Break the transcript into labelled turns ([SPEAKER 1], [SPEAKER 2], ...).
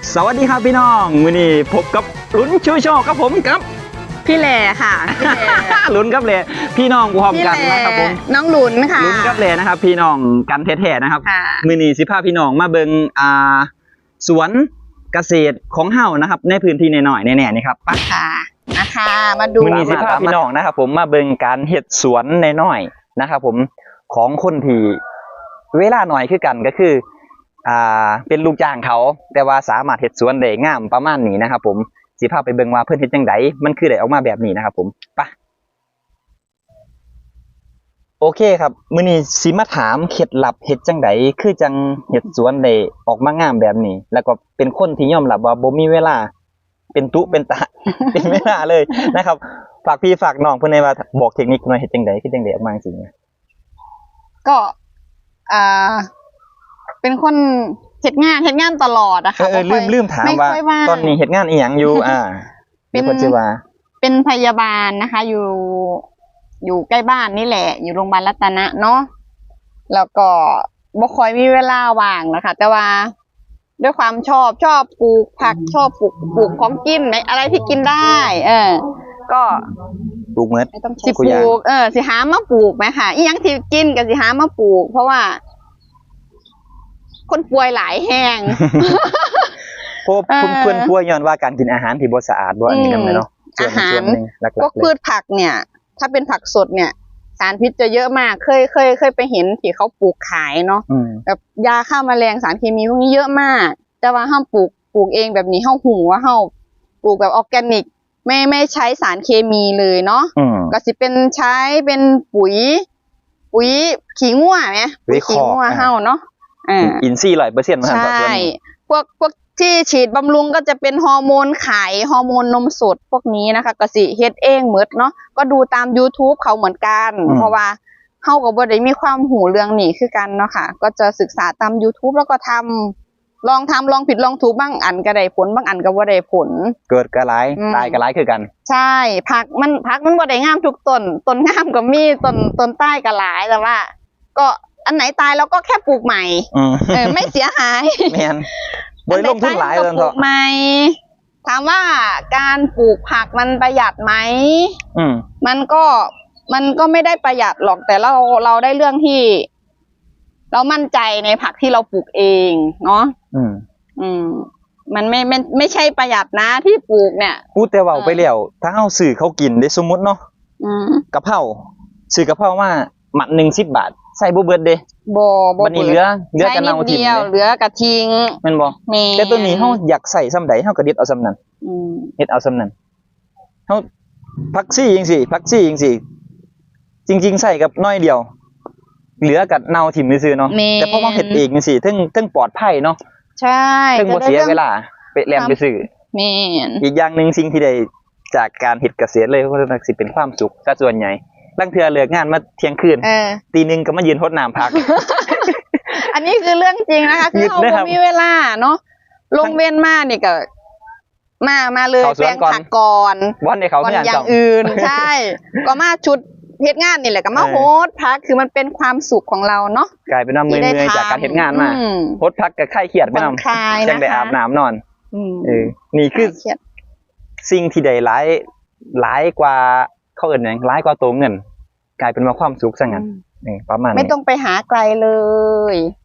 [SPEAKER 1] สวัสดีครับพี่น้องมื้อนี้พบกับลุ้นชูโชคครับผมกับ
[SPEAKER 2] พี่แหล่ค่ะพี่แหล่
[SPEAKER 1] ลุ้นกับเลยพี่น้องพร้อมกันนะครับผม
[SPEAKER 2] น้องหลุนค่ะ
[SPEAKER 1] ลุ้นกับเลยนะครับพี่น้องกันแท้ๆนะครับมื้อนี้สิพาพี่น้องมาเบิ่งสวนเกษตรของเฮานะครับในพื้นที่น้อยๆแน่ๆนี่ครับไป
[SPEAKER 2] ค่ะนะคะมาดู
[SPEAKER 1] มื้อนี้สิพาพี่น้องนะครับผมมาเบิ่งการเฮ็ดสวนน้อยๆนะครับผมของคนที่เวลาน้อยคือกันก็คือเป็นลูกจ้างเขาแต่ว่าสามารถเฮ็ดสวนได้งามประมาณนี้นะครับผมสิพาไปเบิ่งว่าเพิ่นเฮ็ดจังไดมันคือได้ออกมาแบบนี้นะครับผมไปโอเคครับมื้อนี้สิมาถามเคล็ดลับเฮ็ดจังไดคือจังเฮ็ดสวนได้ออกมางามแบบนี้แล้วก็เป็นคนที่ยอมรับว่าบ่มีเวลาเป็นตุเป็นตะ เป็นเวลาเลยนะครับฝากพี่ฝากน้องเพิ่นได้ว่าบอกเทคนิคหน่อยเฮ็ดจังไดคือจังได๋ออกมาจังซี่
[SPEAKER 2] ก็เป็นคนเฮ็ดงานตลอดอะค่ะ
[SPEAKER 1] ลืมถามว่าตอนนี้เฮ็ดงานอีหยังอยู่เป็นคนชื่อว่า
[SPEAKER 2] เป็นพยาบาลนะคะอยู่ใกล้บ้านนี่แหละอยู่โรงพยาบาลรัตนะเนาะแล้วก็บ่ค่อยมีเวลาว่างนะคะแต่ว่าด้วยความชอบปลูกผักชอบปลูกของกินอะไรที่กินได้ก็
[SPEAKER 1] ปลูกเม็ด
[SPEAKER 2] สิปลูกสิหามาปลูกไหมค่ะอีหยังที่กินก็สิหามาปลูกเพราะว่าคนป่วยหลายแห้ง
[SPEAKER 1] พวกเพื่อนป่วยย้อนว่าการกินอาหารที่บ่สะอาดบ่อันนี้นำเนาะ
[SPEAKER 2] อาหารพวกพืชผักเนี่ยถ้าเป็นผักสดเนี่ยสารพิษจะเยอะมากเคยไปเห็นที่เขาปลูกขายเนาะแบบยาฆ่าแมลงสารเคมีพวกนี้เยอะมากแต่ว่าห้ามปลูกเองแบบนี้ห้าหูว่าห้าปลูกแบบออร์แกนิกไม่ใช้สารเคมีเลยเนาะก็สิเป็นใช้เป็นปุ๋ยขี้งัวไหมปุ๋ยขี้งัวเฮาเนาะ
[SPEAKER 1] อินทรีย์ 100%
[SPEAKER 2] ใช่พวกที่ฉีดบำรุงก็จะเป็นฮอร์โมนไข่ฮอร์โมนนมสดพวกนี้นะคะก็สิเฮ็ดเองหมดเนาะก็ดูตาม YouTube เขาเหมือนกันเพราะว่าเฮาก็บ่ได้มีความหูเรื่องนี้คือกันเนาะค่ะก็จะศึกษาตาม YouTube แล้วก็ลองผิดลองถูกบ้างอันก็ได้ผลบางอันก็บ่ได้ผล
[SPEAKER 1] เกิดก็หลายตายก็หลายคือกัน
[SPEAKER 2] ใช่ผักมันบ่ได้งามทุกต้นงามก็มีต้นใต้ก็หลายแต่ว่าก็อันไหนตายเราก็แค่ปลูกใหม่ไม่เสียหาย
[SPEAKER 1] แม่นบ่ได้ลงทุนหลายเลย
[SPEAKER 2] ปลูกใหม่ถามว่าการปลูกผักมันประหยัดไหมมันก็ไม่ได้ประหยัดหรอกแต่เราได้เรื่องที่เรามั่นใจในผักที่เราปลูกเองเนาะมันไม่ใช่ประหยัดนะที่ปลูกเนี่ย
[SPEAKER 1] พูดแต่ว่าไปแล้วถ้าเฮาซื้อเขากินได้สมมุติเนาะกะเพราซื้อกะเพรามาหมัดนึง10 บาทใส่บ่เบิดเด้
[SPEAKER 2] บ่
[SPEAKER 1] บัดนี้เหลือกันเอาทิ้ง
[SPEAKER 2] เหลือกะทิ้ง
[SPEAKER 1] แม่นบ่แต่ตัวนี้เฮาอยากใส่ส่ำใดเฮาก็เด็ดเอาส่ำนั้นเฮ็ดเอาส่ำนั้นเฮาผักซี่จังซี่จริงๆใส่กับน้อยเดียวเหลือกับเน่าถิ่มซื่อๆเนาะแต่พอมาเฮ็ดเองจังซี่ถึงปลอดภัยเนาะ
[SPEAKER 2] ใช่
[SPEAKER 1] ถึงบ่เสียเวลาไปแล่นไปซื้อ
[SPEAKER 2] แม่น
[SPEAKER 1] อีกอย่างนึงสิ่งที่ได้จากการเฮ็ดเกษตรเลยก็สิเป็นความสุขซะส่วนใหญ่ลางเทื่อเลิกงานมาเที่ยงคืนตีนึงก็มายืนรดน้ำพัก
[SPEAKER 2] อันนี้คือเรื่องจริงนะคะคือเราบ่มีเวลาเนาะลงเว้นมานี่ก็มาเลยแปลงผักก่อน
[SPEAKER 1] วันให้เขา
[SPEAKER 2] อย่างอื่นใช่ก็มาชุดเฮ็ดงานนี่แหละก็มาโฮสพักคือมันเป็นความสุขของเราเนาะ
[SPEAKER 1] กลายเป็นว่าเมื่อยจากการเฮ็ดงานมาโฮสพักก็คลายเครียดไปนำจังได้อาบน้ำนอนนี่คือสิ่งที่ได้หลายกว่าเขาเอิ้นหยังหลายกว่าตัวเงินกลายเป็นว่าความสุขซะงั้นประมาณนี้
[SPEAKER 2] ไม่ต้องไปหาไกลเลย